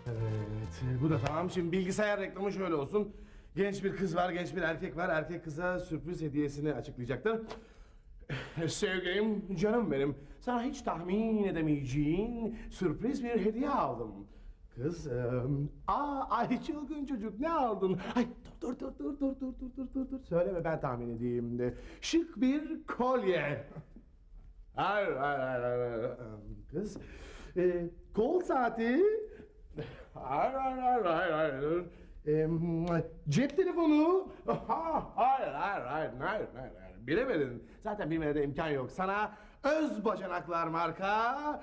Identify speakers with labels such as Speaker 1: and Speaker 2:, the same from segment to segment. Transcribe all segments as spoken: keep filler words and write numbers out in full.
Speaker 1: Evet, bu da tamam. Şimdi bilgisayar reklamı şöyle olsun. Genç bir kız var, genç bir erkek var. Erkek kıza sürpriz hediyesini açıklayacaktır. Sevgilim, canım benim. Sana hiç tahmin edemeyeceğin sürpriz bir hediye aldım. Kız, eee, aa, ay çılgın çocuk ne aldın? Ay dur dur dur dur dur dur dur dur dur dur. Söyleme ben tahmin edeyim de. Şık bir kolye. Hayır hayır hayır hayır. Kız, e, kol saati. Hayır hayır hayır hayır hayır. E, cep telefonu. Ha, hayır hayır hayır hayır hayır. hayır. Bilemedin. Zaten bilmene de imkan yok. Sana öz bacanaklar marka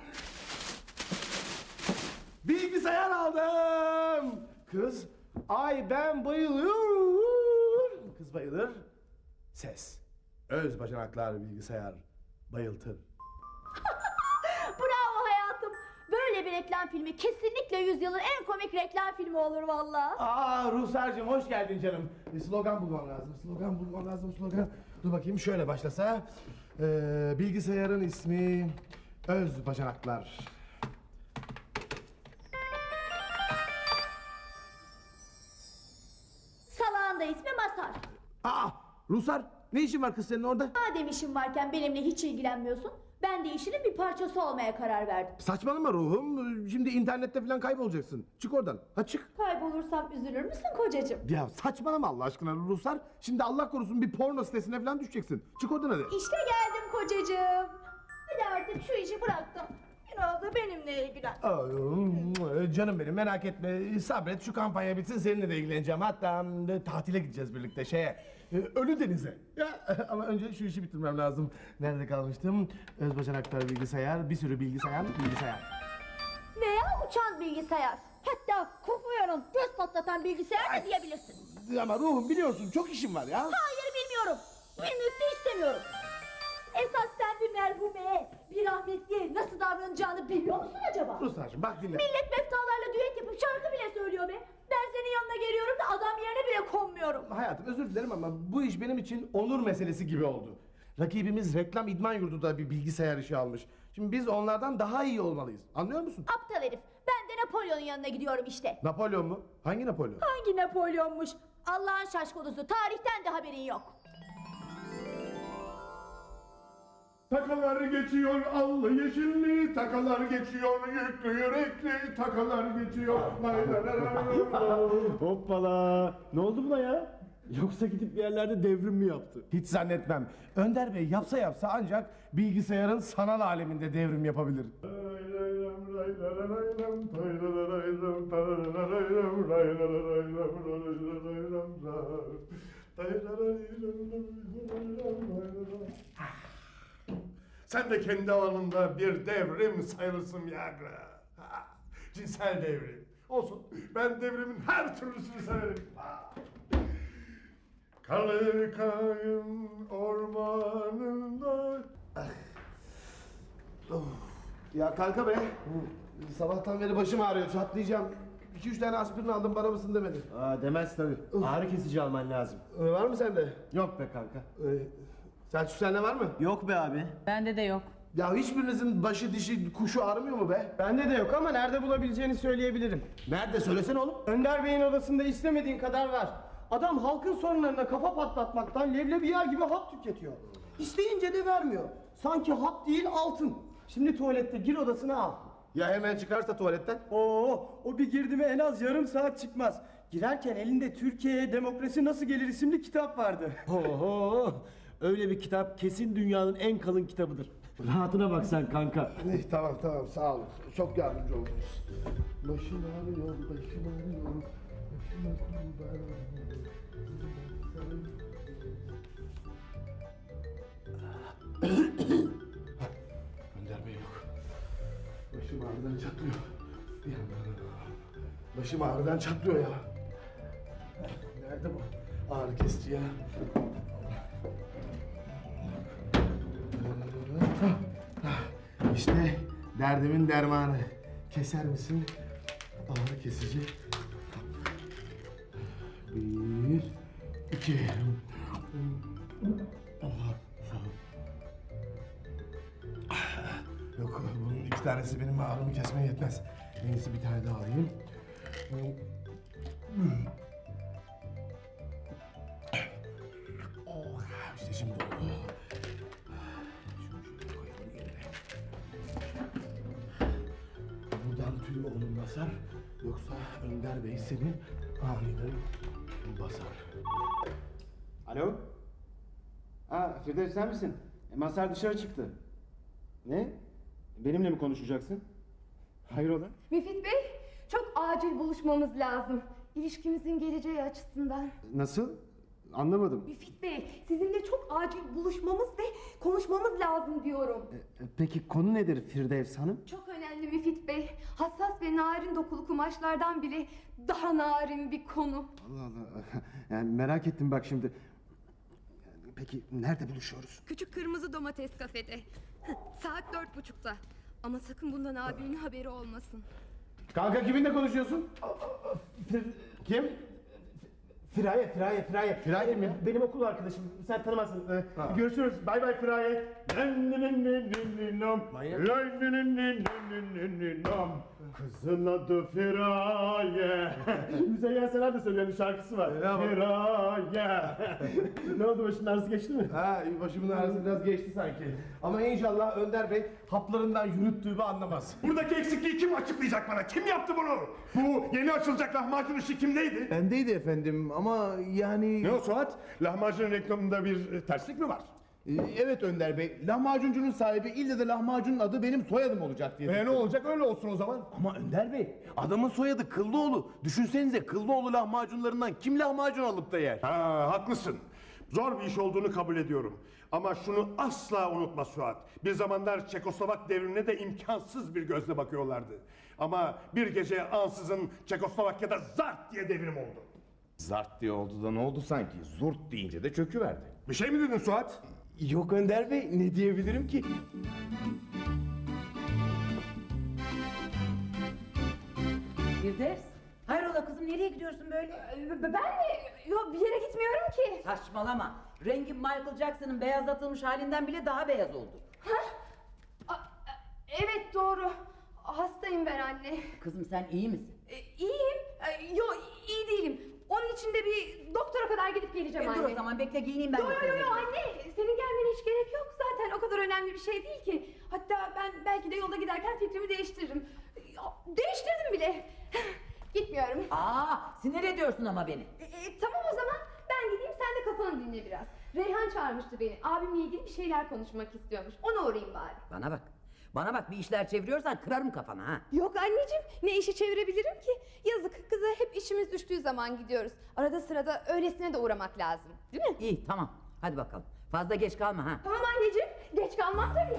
Speaker 1: bilgisayar aldım. Kız, ay ben bayılıyorum. Kız bayılır. Ses. Öz bacanaklar bilgisayar bayıltır.
Speaker 2: Bravo hayatım. Böyle bir reklam filmi kesinlikle yüzyılın en komik reklam filmi olur vallahi.
Speaker 1: Aa Ruhsar'cığım hoş geldin canım. Bir slogan bulmam lazım. Slogan bulmam lazım slogan. Dur bakayım şöyle başlasa. Ee, bilgisayarın ismi Öz Bacanaklar.
Speaker 2: Salağın da ismi Masar.
Speaker 1: Aa Ruhsar ne işin var kız senin orada?
Speaker 2: Madem işin varken benimle hiç ilgilenmiyorsun, ben de işinin bir parçası olmaya karar verdim.
Speaker 1: Saçmalama ruhum. Şimdi internette falan kaybolacaksın. Çık oradan. Ha çık.
Speaker 2: Kaybolursam üzülür müsün kocacığım?
Speaker 1: Ya saçmalama Allah aşkına Ruhsar. Şimdi Allah korusun bir porno sitesine falan düşeceksin. Çık oradan hadi.
Speaker 2: İşte geldim kocacığım. Hadi artık şu işi bıraktım. Biraz da benimle ilgilen.
Speaker 1: Ay, canım benim merak etme sabret şu kampanya bitsin seninle de ilgileneceğim hatta e, tatile gideceğiz birlikte şeye e, Ölüdeniz'e ya, ama önce şu işi bitirmem lazım. Nerede kalmıştım? Öz bacanaklar bilgisayar bir sürü bilgisayar bilgisayar.
Speaker 2: Veya uçan bilgisayar. Hatta kokuyorum göz patlatan bilgisayar da diyebilirsin.
Speaker 1: Ama ruhum biliyorsun çok işim var ya.
Speaker 2: Hayır bilmiyorum. Bilmek de istemiyorum. Esas sen bir merhumeye, bir rahmetliye nasıl davranacağını biliyor musun acaba?
Speaker 1: Ruslarcığım bak dinle.
Speaker 2: Millet meftalarla düet yapıp şarkı bile söylüyor be. Ben senin yanına geliyorum da adam yerine bile konmuyorum.
Speaker 1: Hayatım özür dilerim ama bu iş benim için onur meselesi gibi oldu. Rakibimiz reklam idman yurdu da bir bilgisayar işi almış. Şimdi biz onlardan daha iyi olmalıyız. Anlıyor musun?
Speaker 2: Aptal herif. Ben de Napolyon'un yanına gidiyorum işte.
Speaker 1: Napolyon mu? Hangi Napolyon?
Speaker 2: Hangi Napolyon'muş? Allah'ın şaşkolusu. Tarihten de haberin yok.
Speaker 3: Takalar geçiyor allı yeşilli, takalar geçiyor yüklü yürekli, takalar geçiyor. Lay lay lay lay lay.
Speaker 4: Hoppala! Ne oldu buna ya? Yoksa gidip bir yerlerde devrim mi yaptı?
Speaker 1: Hiç zannetmem. Önder Bey yapsa yapsa ancak bilgisayarın sanal aleminde devrim yapabilir.
Speaker 3: Sen de kendi alanında bir devrim sayılırsın Viagra. Ha, cinsel devrim. Olsun. Ben devrimin her türlüsünü severim. Ha. Kalıkayın ormanında.
Speaker 1: Ya kanka be. Sabahtan beri başım ağrıyor çatlayacağım. İki üç tane aspirin aldım bana mısın demedi.
Speaker 4: Aa demez tabii. Ağrı kesici alman lazım.
Speaker 1: Ee, var mı sende?
Speaker 4: Yok be kanka.
Speaker 1: Ee, Selçuk sende var mı?
Speaker 4: Yok be abi.
Speaker 5: Bende de yok.
Speaker 1: Ya hiçbirinizin başı dişi kuşu ağrımıyor mu be?
Speaker 6: Bende de yok ama nerede bulabileceğini söyleyebilirim.
Speaker 1: Nerede söylesene oğlum.
Speaker 6: Önder Bey'in odasında istemediğin kadar var. Adam halkın sorunlarına kafa patlatmaktan leblebi yer gibi hap tüketiyor. İsteyince de vermiyor. Sanki hap değil altın. Şimdi tuvalette gir odasına al.
Speaker 1: Ya hemen çıkarsa tuvaletten?
Speaker 6: Oo, o bir girdi mi en az yarım saat çıkmaz. Girerken elinde Türkiye'ye demokrasi nasıl gelir isimli kitap vardı.
Speaker 4: Oho! Öyle bir kitap kesin dünyanın en kalın kitabıdır. Rahatına bak sen kanka.
Speaker 1: Eh, tamam tamam sağ olun. Çok yardımcı oldunuz. Başım ağrıyor, başım ağrıyor. Başım ağrıyor. Önder Bey yok. Başım ağrıdan çatlıyor. Bir yandan. Başım ağrıdan çatlıyor ya. Nerede bu ağrı kesici ya? İşte derdimin dermanı. Keser misin? Ağrı kesici. Bir, iki. Allah, sağ ol. Yok, bunun iki tanesi benim ağrımı kesmeye yetmez. En iyisi bir tane daha alayım. Oh, işte şimdi oldu. Şunu şöyle koyalım yerine. Buradan tüy oğlum basar. Yoksa Önder Bey seni aniden basar.
Speaker 4: Alo? Ha Firdevs sen misin? E, Mazhar dışarı çıktı. Ne? Benimle mi konuşacaksın? Hayrola?
Speaker 5: Müfit Bey, çok acil buluşmamız lazım. İlişkimizin geleceği açısından.
Speaker 4: Nasıl? Anlamadım.
Speaker 5: Müfit Bey, sizinle çok acil buluşmamız ve konuşmamız lazım diyorum.
Speaker 4: E, Peki konu nedir Firdevs Hanım?
Speaker 5: Çok önemli Müfit Bey. Hassas ve narin dokulu kumaşlardan bile daha narin bir konu.
Speaker 4: Allah Allah. Yani merak ettim bak şimdi. Peki nerede buluşuyoruz?
Speaker 5: Küçük Kırmızı Domates kafede. Saat dört buçukta. Ama sakın bundan abinin haberi olmasın.
Speaker 1: Kanka kiminle konuşuyorsun? Kim?
Speaker 6: Firaye, Firaye, Firaye.
Speaker 1: Firaye mi?
Speaker 6: Benim okul arkadaşım. Sen tanımazsın. Ee, görüşürüz. Bay bay Firaye. Kızın adı Firaye. Müzeyyen Senar da söyleyen bir şarkısı var. Firaye. Ne oldu, başının ağrısı geçti mi?
Speaker 1: Ha, başımın ağrısı biraz geçti sanki. Ama inşallah Önder Bey haplarından yürüttüğümü anlamaz.
Speaker 3: Buradaki eksikliği kim açıklayacak bana? Kim yaptı bunu? Bu yeni açılacak lahmacun işi kimdeydi?
Speaker 1: Bendeydi efendim ama yani...
Speaker 3: Ne o Suat? Lahmacun reklamında bir e, terslik mi var?
Speaker 1: Ee, Evet Önder Bey, lahmacuncunun sahibi ille de lahmacunun adı benim soyadım olacak diye.
Speaker 3: E ne olacak? Öyle olsun o zaman.
Speaker 1: Ama Önder Bey, adamın soyadı Kıllıoğlu. Düşünsenize Kıllıoğlu lahmacunlarından kim lahmacun alıp da yer?
Speaker 3: Ha, haklısın. Zor bir iş olduğunu kabul ediyorum. Ama şunu asla unutma Suat. Bir zamanlar Çekoslovak devrimine de imkansız bir gözle bakıyorlardı. Ama bir gece ansızın Çekoslovakya'da zart diye devrim oldu.
Speaker 1: Zart diye oldu da ne oldu sanki? Zurt deyince de çöküverdi.
Speaker 3: Bir şey mi dedin Suat?
Speaker 1: Yok Önder Bey, ne diyebilirim ki?
Speaker 7: Firdevs, hayrola kızım, nereye gidiyorsun böyle?
Speaker 5: Ee, Ben mi? Yok, bir yere gitmiyorum ki.
Speaker 7: Saçmalama. Rengin Michael Jackson'ın beyazlatılmış halinden bile daha beyaz oldu.
Speaker 5: Aa, Evet doğru. Hastayım ben anne.
Speaker 7: Kızım sen iyi misin?
Speaker 5: Ee, İyiyim. Ee, Yok iyi değilim. Onun için de bir doktora kadar gidip geleceğim
Speaker 7: E,
Speaker 5: anne.
Speaker 7: dur o zaman bekle, giyineyim ben
Speaker 5: Yo
Speaker 7: de
Speaker 5: yo
Speaker 7: seninle.
Speaker 5: yo anne. Senin gelmene hiç gerek yok zaten. O kadar önemli bir şey değil ki. Hatta ben belki de yolda giderken fikrimi değiştiririm. Ya, Değiştirdim bile. Gitmiyorum.
Speaker 7: Aa, sinir ediyorsun ama beni.
Speaker 5: E, e, tamam o zaman ben gideyim, sen de kafanı dinle biraz. Reyhan çağırmıştı beni. Abimle ilgili bir şeyler konuşmak istiyormuş. Ona uğrayayım bari.
Speaker 7: Bana bak. Bana bak, bir işler çeviriyorsan kırarım kafanı ha.
Speaker 5: Yok anneciğim, ne işi çevirebilirim ki? Yazık, kıza hep işimiz düştüğü zaman gidiyoruz. Arada sırada öylesine de uğramak lazım. Değil mi?
Speaker 7: İyi, tamam. Hadi bakalım. Fazla geç kalma ha.
Speaker 5: Tamam anneciğim, geç kalmam tabii.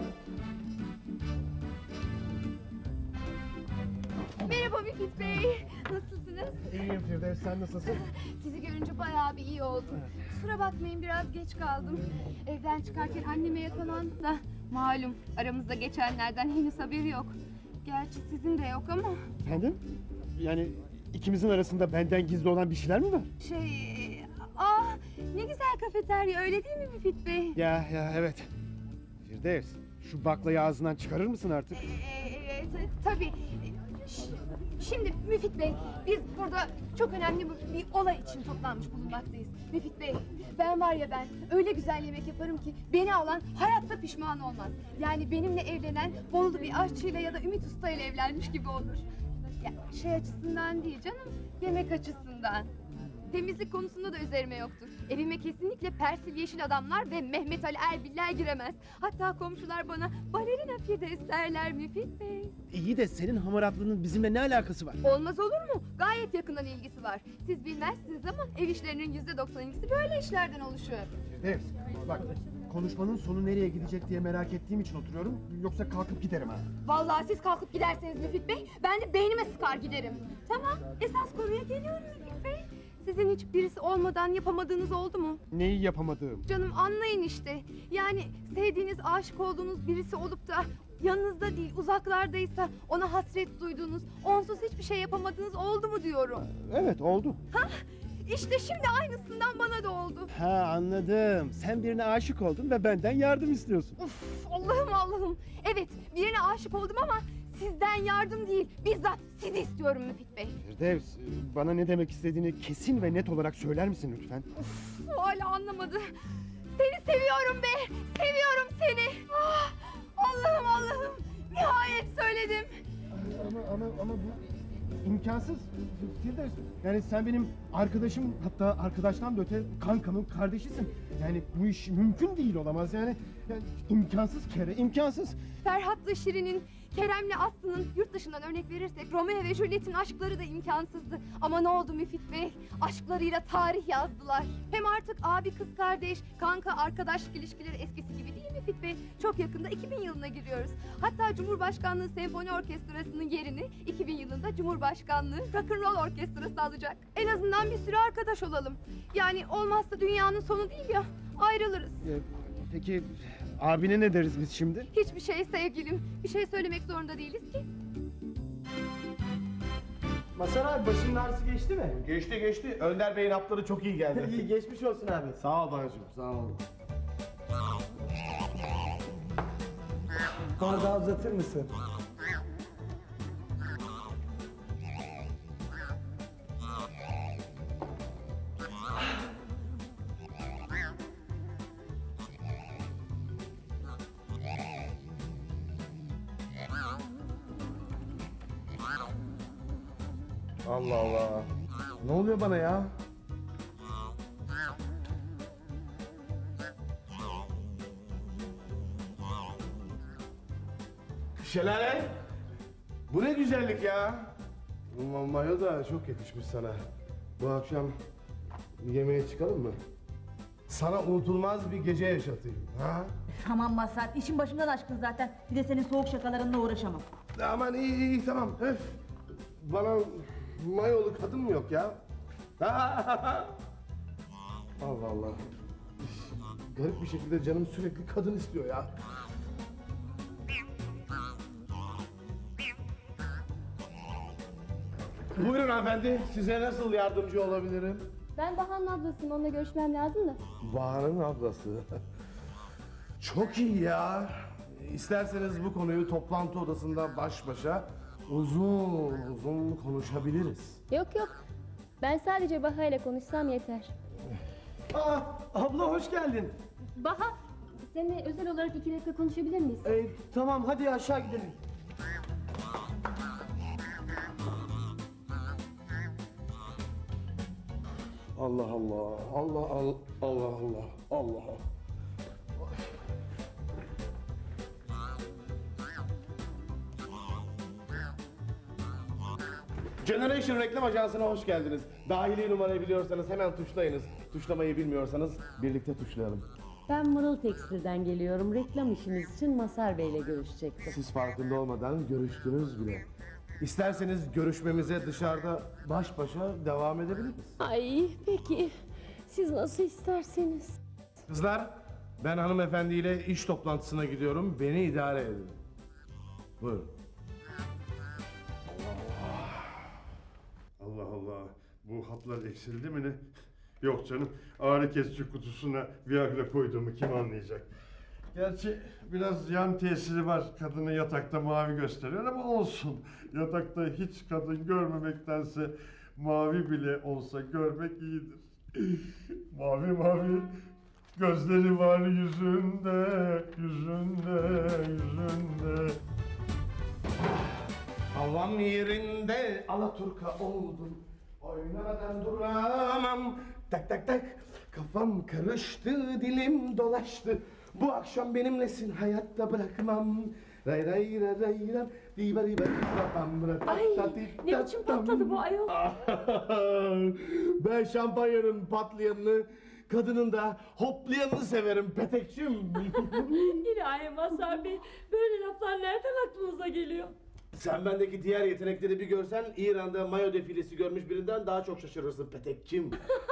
Speaker 5: Merhaba Müfit Bey. Nasılsınız?
Speaker 1: İyiyim Firdevs, sen nasılsın?
Speaker 5: Sizi görünce bayağı bir iyi oldum. Kusura bakmayın, biraz geç kaldım. Evden çıkarken anneme yakalandı da malum aramızda geçenlerden henüz haberi yok. Gerçi sizin de yok ama
Speaker 6: Efendim? Yani ikimizin arasında benden gizli olan bir şeyler mi var?
Speaker 5: şey... Ah ne güzel kafeterya, öyle değil mi Müfit Bey?
Speaker 6: Ya ya evet. Firdevs, şu baklayı ağzından çıkarır mısın artık?
Speaker 5: Ee, t- tabii. Ş- Şimdi Müfit Bey, biz burada çok önemli bir, bir olay için toplanmış bulunmaktayız. Müfit Bey, ben var ya ben öyle güzel yemek yaparım ki beni alan hayatta pişman olmaz. Yani benimle evlenen Bolulu bir aşçıyla ya da Ümit Usta ile evlenmiş gibi olur. Ya, şey açısından değil canım, yemek açısından. Temizlik konusunda da üzerime yoktur. Evime kesinlikle Persil Yeşil Adamlar ve Mehmet Ali Erbiller giremez. Hatta komşular bana balerina Firdevs derler Müfit Bey.
Speaker 6: İyi de senin hamaratlığının bizimle ne alakası var?
Speaker 5: Olmaz olur mu? Gayet yakından ilgisi var. Siz bilmezsiniz ama ev işlerinin yüzde doksan ikisi böyle işlerden oluşuyor.
Speaker 6: Firdevs, bak konuşmanın sonu nereye gidecek diye merak ettiğim için oturuyorum. Yoksa kalkıp giderim ha.
Speaker 5: Vallahi siz kalkıp giderseniz Müfit Bey, ben de beynime sıkar giderim. Tamam, esas konuya geliyorum Müfit Bey. Sizin hiç birisi olmadan yapamadığınız oldu mu?
Speaker 6: Neyi yapamadığım?
Speaker 5: Canım anlayın işte. Yani sevdiğiniz, aşık olduğunuz birisi olup da yanınızda değil, uzaklardaysa ona hasret duyduğunuz, onsuz hiçbir şey yapamadığınız oldu mu diyorum.
Speaker 6: Evet oldu.
Speaker 5: Hah, işte şimdi aynısından bana da oldu.
Speaker 6: Ha anladım. Sen birine aşık oldun ve benden yardım istiyorsun.
Speaker 5: Uf, Allah'ım Allah'ım. Evet, birine aşık oldum ama sizden yardım değil, bizzat sizi istiyorum Müfit Bey.
Speaker 4: Firdevs, bana ne demek istediğini kesin ve net olarak söyler misin lütfen?
Speaker 5: Uf, hala anlamadı. Seni seviyorum be, seviyorum seni. Ah, Allah'ım Allah'ım, nihayet söyledim.
Speaker 4: Ama ama ama bu imkansız Firdevs. Yani sen benim arkadaşım, hatta arkadaştan da öte kankamın kardeşisin. Yani bu iş mümkün değil, olamaz yani. Yani imkansız kere, imkansız.
Speaker 5: Ferhat'la Şirin'in, Kerem'le Aslı'nın, yurt dışından örnek verirsek Romeo ve Juliet'in aşkları da imkansızdı. Ama ne oldu Müfit Bey? Aşklarıyla tarih yazdılar. Hem artık abi kız kardeş, kanka arkadaşlık ilişkileri eskisi gibi değil Müfit Bey. Çok yakında iki bin yılına giriyoruz. Hatta Cumhurbaşkanlığı Senfoni Orkestrası'nın yerini iki bin yılında Cumhurbaşkanlığı Rock'n'Roll Orkestrası alacak. En azından bir süre arkadaş olalım. Yani olmazsa dünyanın sonu değil ya, ayrılırız.
Speaker 4: Ee, Peki abine ne deriz biz şimdi?
Speaker 5: Hiçbir şey sevgilim. Bir şey söylemek zorunda değiliz ki.
Speaker 6: Masar abi başının ağrısı geçti mi?
Speaker 1: Geçti geçti. Önder Bey'in hapları çok iyi geldi.
Speaker 6: İyi geçmiş olsun abi.
Speaker 1: Sağ ol bacım, sağ ol.
Speaker 6: Bardağı uzatır mısın?
Speaker 1: Allah Allah. Ne oluyor bana ya? Şelale. Bu ne güzellik ya. Ma- Mayo da çok yakışmış sana. Bu akşam yemeğe çıkalım mı? Sana unutulmaz bir gece yaşatayım. Ha?
Speaker 2: Tamam Mazhar, işin başımdan aşkın zaten. Bir de senin soğuk şakalarınla uğraşamam.
Speaker 1: Aman iyi iyi, iyi tamam. Öf. Bana mayolu kadın mı yok ya? Allah Allah. Garip bir şekilde canım sürekli kadın istiyor ya. Buyurun hanımefendi, size nasıl yardımcı olabilirim?
Speaker 8: Ben Bahar'ın ablasıyım, onunla görüşmem lazım da.
Speaker 1: Bahar'ın ablası. Çok iyi ya. İsterseniz bu konuyu toplantı odasında baş başa uzun uzun konuşabiliriz.
Speaker 8: Yok yok, ben sadece Bahar'la konuşsam yeter.
Speaker 6: Aa, abla hoş geldin.
Speaker 8: Bahar, seninle özel olarak iki dakika konuşabilir miyiz?
Speaker 6: Ee, tamam hadi aşağı gidelim.
Speaker 1: Allah Allah, Allah Allah, Allah Allah, Allah. Generation Reklam Ajansı'na hoş geldiniz. Dahili numarayı biliyorsanız hemen tuşlayınız. Tuşlamayı bilmiyorsanız birlikte tuşlayalım.
Speaker 9: Ben Mırıl Tekstil'den geliyorum. Reklam işiniz için Mazhar Bey'le görüşecektim.
Speaker 1: Siz farkında olmadan görüştünüz bile. İsterseniz görüşmemize dışarıda baş başa devam edebiliriz.
Speaker 9: Ay peki. Siz nasıl isterseniz.
Speaker 1: Kızlar, ben hanımefendiyle iş toplantısına gidiyorum. Beni idare edin. Buyurun.
Speaker 3: Allah Allah. Bu haplar eksildi mi ne? Yok canım. Ağrı kesici kutusuna Viagra koyduğumu kim anlayacak? Gerçi biraz yan tesiri var. Kadını yatakta mavi gösteriyor ama olsun. Yatakta hiç kadın görmemektense mavi bile olsa görmek iyidir. Mavi mavi gözleri var yüzünde, yüzünde, yüzünde.
Speaker 1: Havam yerinde Alaturka oldum. Oynamadan duramam. Tak tak tak. Kafam karıştı, dilim dolaştı. Bu akşam benimlesin, hayatta bırakmam. Ray ray ray ray ray. Diba diba diba.
Speaker 9: Ay ne biçim patladı bu ayol?
Speaker 1: Ben şampanyanın patlayanını, kadının da hoplayanını severim petekçim.
Speaker 9: İlahi Mazhar Bey, böyle laflar nereden aklınıza geliyor?
Speaker 1: Sen bendeki diğer yetenekleri bir görsen İran'da mayo defilesi görmüş birinden daha çok şaşırırsın petekçim.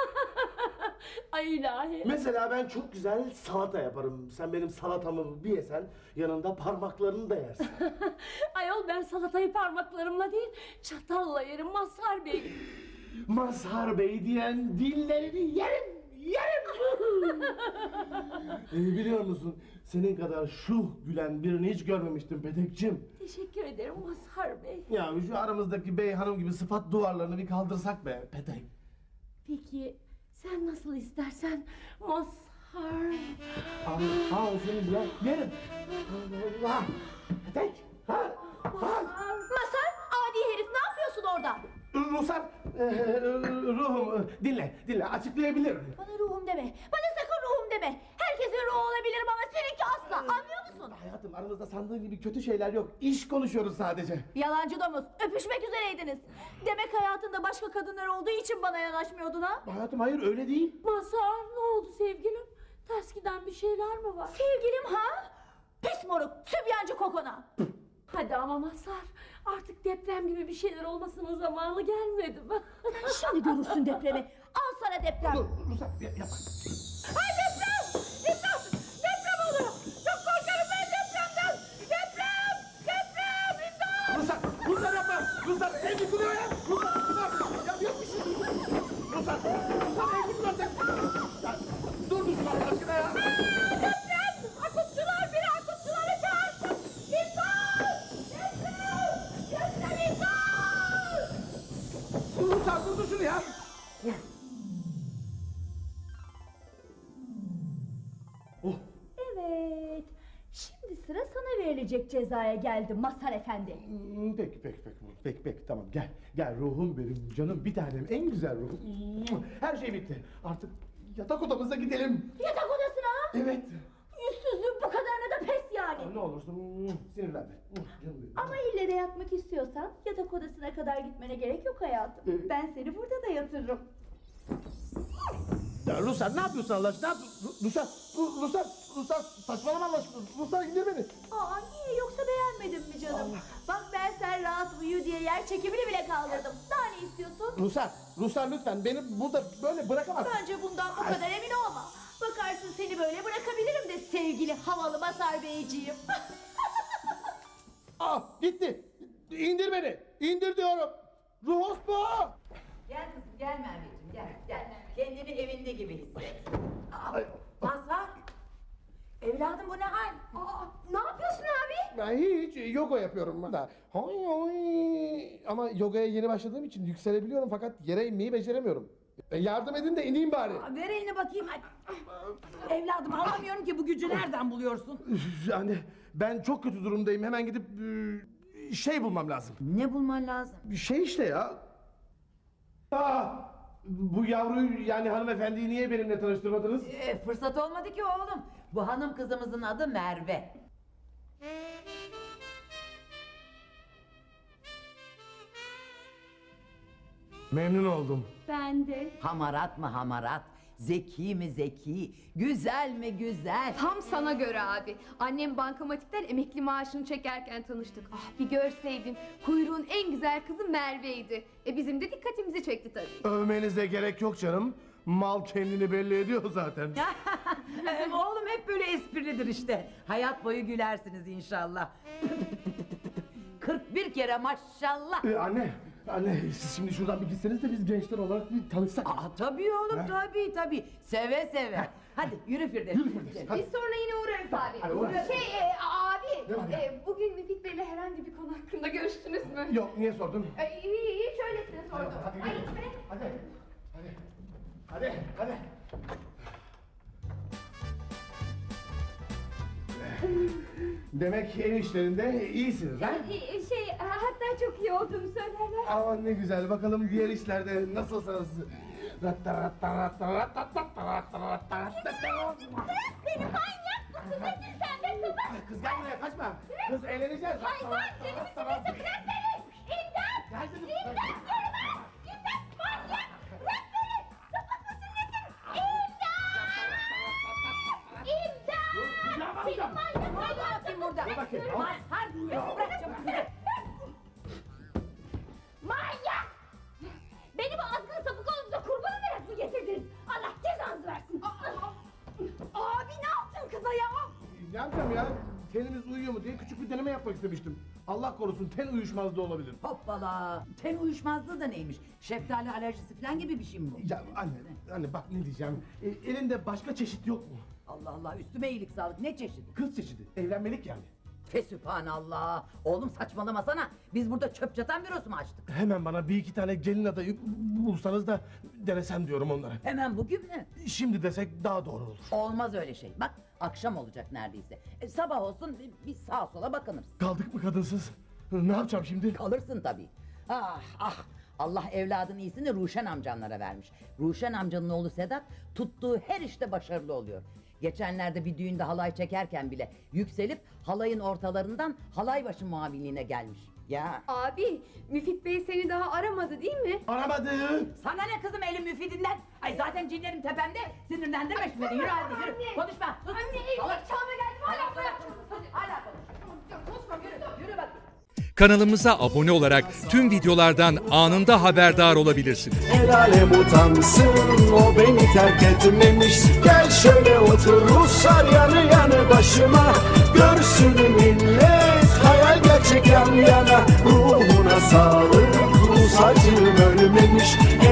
Speaker 9: Ay ilahi.
Speaker 1: Mesela ben çok güzel salata yaparım. Sen benim salatamı bir yesen yanında parmaklarını da yersin.
Speaker 9: Ayol ben salatayı parmaklarımla değil, çatalla yerim Mazhar Bey.
Speaker 1: Mazhar Bey diyen dillerini yerim, yerim. ee, biliyor musun? Senin kadar şuh gülen birini hiç görmemiştim Petek'cim.
Speaker 9: Teşekkür ederim Mazhar Bey.
Speaker 1: Ya şu aramızdaki bey hanım gibi sıfat duvarlarını bir kaldırsak be Petek.
Speaker 9: Peki sen nasıl istersen Mazhar.
Speaker 1: Al, al seni ya yerim. Allah. Petek. Ha? Ha?
Speaker 2: Masar, adi herif ne yapıyorsun orada?
Speaker 1: Ruhsar, e, e, ruhum e, dinle, dinle açıklayabilirim.
Speaker 2: Bana ruhum deme, bana sakın ruhum deme. Herkesin ruhu olabilirim ama seninki asla, anlıyor musun?
Speaker 1: Hayatım aramızda sandığın gibi kötü şeyler yok. İş konuşuyoruz sadece.
Speaker 2: Yalancı domuz, öpüşmek üzereydiniz. Demek hayatında başka kadınlar olduğu için bana yanaşmıyordun ha?
Speaker 1: Hayatım hayır öyle değil.
Speaker 9: Mazhar ne oldu sevgilim? Ters giden bir şeyler mi var?
Speaker 2: Sevgilim ha? Pis moruk, sübyancı kokona.
Speaker 9: Hadi ama Mazhar artık deprem gibi bir şeyler olmasının zamanı gelmedi mi?
Speaker 2: Şimdi görürsün depremi. Al sana deprem.
Speaker 1: Dur, Ruhsar yapma.
Speaker 2: Ay deprem! Deprem! Deprem oluyor! Çok korkarım ben depremden! Deprem! Deprem! İmdat!
Speaker 1: Ruhsar, Ruhsar yapma. Ruhsar ev yıkılıyor ya. Ruhsar, Ruhsar. Ya yok bir şey. Ruhsar, Ruhsar ev yıkılacak. Ya, dur Ruhsar Allah aşkına ya.
Speaker 2: Deprem! Akutçular biri akutçuları çağırsın! İmdat! Deprem! Deprem imdat!
Speaker 1: Ruhsar durdur şunu ya. Oh.
Speaker 2: Evet. Şimdi sıra sana verilecek cezaya geldi Mazhar Efendi.
Speaker 1: Hmm, Peki peki peki peki peki tamam gel gel ruhum benim canım bir tanem en güzel ruhum. Her şey bitti artık yatak odamıza gidelim.
Speaker 2: Yatak odasına ha?
Speaker 1: Evet.
Speaker 2: Yüzsüzlüğün bu kadarına da pes yani.
Speaker 1: Ne olursun sinirlenme. Canım benim.
Speaker 2: Ama ille de yatmak istiyorsan yatak odasına kadar gitmene gerek yok hayatım.
Speaker 1: Ee?
Speaker 2: Ben seni burada da yatırırım.
Speaker 1: Ya Ruslar ne yapıyorsun Allah aşkına? Ne yapıyorsun? Ruslar, Ru- Ruslar, Ruslar saçmalama Allah aşkına. Ruslar indir beni.
Speaker 2: Aa niye yoksa beğenmedin mi canım? Bak ben sen rahat uyu diye yer çekimini bile kaldırdım. Daha ne istiyorsun?
Speaker 1: Ruslar, Ruslar lütfen beni burada böyle bırakamazsın.
Speaker 2: Bence bundan bu kadar emin olma. Bakarsın seni böyle bırakabilirim de sevgili havalı Mazhar Beyciğim.
Speaker 1: Ah gitti. İndir beni. İndir diyorum. Ruhos bu.
Speaker 7: Gel kızım gel Merveciğim gel gel. Kendini evinde gibi hisset.
Speaker 1: Ay,
Speaker 7: Mazhar. Evladım bu ne hal?
Speaker 2: Aa, ne yapıyorsun abi?
Speaker 1: Ben hiç yoga yapıyorum ben de. Hay hay. Ama yogaya yeni başladığım için yükselebiliyorum fakat yere inmeyi beceremiyorum. E, yardım edin de ineyim bari.
Speaker 7: Ver elini bakayım hadi. Evladım anlamıyorum ki bu gücü nereden buluyorsun?
Speaker 1: Yani ben çok kötü durumdayım. Hemen gidip e, şey bulmam lazım.
Speaker 7: Ne bulman lazım?
Speaker 1: Bir şey işte ya. Aa, bu yavruyu yani hanımefendiyi niye benimle tanıştırmadınız?
Speaker 7: Ee, fırsat olmadı ki oğlum. Bu hanım kızımızın adı Merve.
Speaker 1: Memnun oldum.
Speaker 9: Ben de.
Speaker 7: Hamarat mı hamarat? Zeki mi zeki? Güzel mi güzel?
Speaker 5: Tam sana göre abi. Annem bankamatikten emekli maaşını çekerken tanıştık. Ah bir görseydin. Kuyruğun en güzel kızı Merve'ydi. E bizim de dikkatimizi çekti tabii.
Speaker 1: Övmenize gerek yok canım. Mal kendini belli ediyor zaten.
Speaker 7: Ee, Oğlum hep böyle esprilidir işte. Hayat boyu gülersiniz inşallah. kırk bir kere maşallah.
Speaker 1: Ee, anne, anne siz şimdi şuradan bir gitseniz de biz gençler olarak bir tanışsak.
Speaker 7: Aa, tabii oğlum
Speaker 1: Ha?
Speaker 7: tabii tabii. Seve seve. Hadi yürü Firdevs.
Speaker 1: Yürü Firdevs, hadi.
Speaker 5: Biz sonra yine uğrarız abi.
Speaker 1: Hadi uğrarız.
Speaker 5: Şey e, abi.
Speaker 1: Ne var ya?
Speaker 5: e, bugün Müfit Bey'le herhangi bir konu hakkında görüştünüz mü?
Speaker 1: Yok, niye sordun?
Speaker 5: E, hiç öylesine sordum.
Speaker 1: Hadi,
Speaker 5: Ay,
Speaker 1: hadi,
Speaker 5: içmene-
Speaker 1: hadi, hadi, hadi, hadi. Demek ev işlerinde iyisiniz ha?
Speaker 5: E, şey hatta çok iyi olduğumu söylerler.
Speaker 1: Aman ne güzel, bakalım diğer işlerde nasılsınız? Ratta ratta ratta ratta ratta ratta ratta ratta.
Speaker 2: Beni manyak mısın? Nesin sen be kızım?
Speaker 1: Kız gel buraya kaçma. Kız eğleneceğiz.
Speaker 2: Hayvan deli misin nesin? Bırak beni! İmdat!
Speaker 1: Gel kızım.
Speaker 2: İmdat! Koruma! İmdat! Manyak! Bırak beni! Sapık mısın nesin? İmdat! İmdat!
Speaker 1: Ya
Speaker 2: Seni
Speaker 1: bakacağım.
Speaker 2: manyak hayvan!
Speaker 7: Bakayım burada.
Speaker 1: Dur bakayım.
Speaker 7: Mazhar bırakacağım kızı.
Speaker 2: Manyak! Beni bu azgın sapık oğlunuza kurban olarak mı getirdiniz? Allah cezanızı versin! Abi ne yaptın kıza ya?
Speaker 1: Ne yapacağım ya? Tenimiz uyuyor mu diye küçük bir deneme yapmak istemiştim. Allah korusun ten uyuşmazlığı olabilir.
Speaker 7: Hoppala. Ten uyuşmazlığı da neymiş? Şeftali alerjisi falan gibi bir şey mi bu?
Speaker 1: Ya anne, anne bak ne diyeceğim. E, elinde başka çeşit yok mu?
Speaker 7: Allah Allah, üstüme iyilik sağlık, ne çeşidi?
Speaker 1: Kız çeşidi. Evlenmelik yani.
Speaker 7: Fesübhanallah. Oğlum saçmalamasana. Biz burada çöp çatan bürosu mu açtık?
Speaker 1: Hemen bana bir iki tane gelin adayı bulsanız da denesem diyorum onlara.
Speaker 7: Hemen bugün mü?
Speaker 1: Şimdi desek daha doğru olur.
Speaker 7: Olmaz öyle şey. Bak akşam olacak neredeyse. E, sabah olsun bir- bir sağa sola bakınırız.
Speaker 1: Kaldık mı kadınsız? Ne yapacağım şimdi?
Speaker 7: Kalırsın tabii. Ah ah. Allah evladın iyisini Ruşen amcanlara vermiş. Ruşen amcanın oğlu Sedat tuttuğu her işte başarılı oluyor. Geçenlerde bir düğünde halay çekerken bile yükselip halayın ortalarından halay başı muavinliğine gelmiş. Ya
Speaker 5: Abi, Müfit Bey seni daha aramadı değil mi?
Speaker 1: Aramadı.
Speaker 7: sana ne kızım elin müfidinden? Ay zaten cinlerim tepemde. Sinirlendirme şimdi beni. Yürü hadi yürü. Konuşma. Sus.
Speaker 5: Anne, evlilik
Speaker 7: Salak.
Speaker 5: çağına geldim, hala bırak.
Speaker 7: Hadi, hala konuş. Konuşma yürü. Yürü bak.
Speaker 10: Kanalımıza abone olarak tüm videolardan anında haberdar olabilirsiniz.
Speaker 11: El alem utansın, o beni terk etmemiş. Gel şöyle otur Ruslar yanı yanı başıma. Görsün millet hayal gerçek yan yana. Ruhuna sağlık, Rus acım ölmemiş.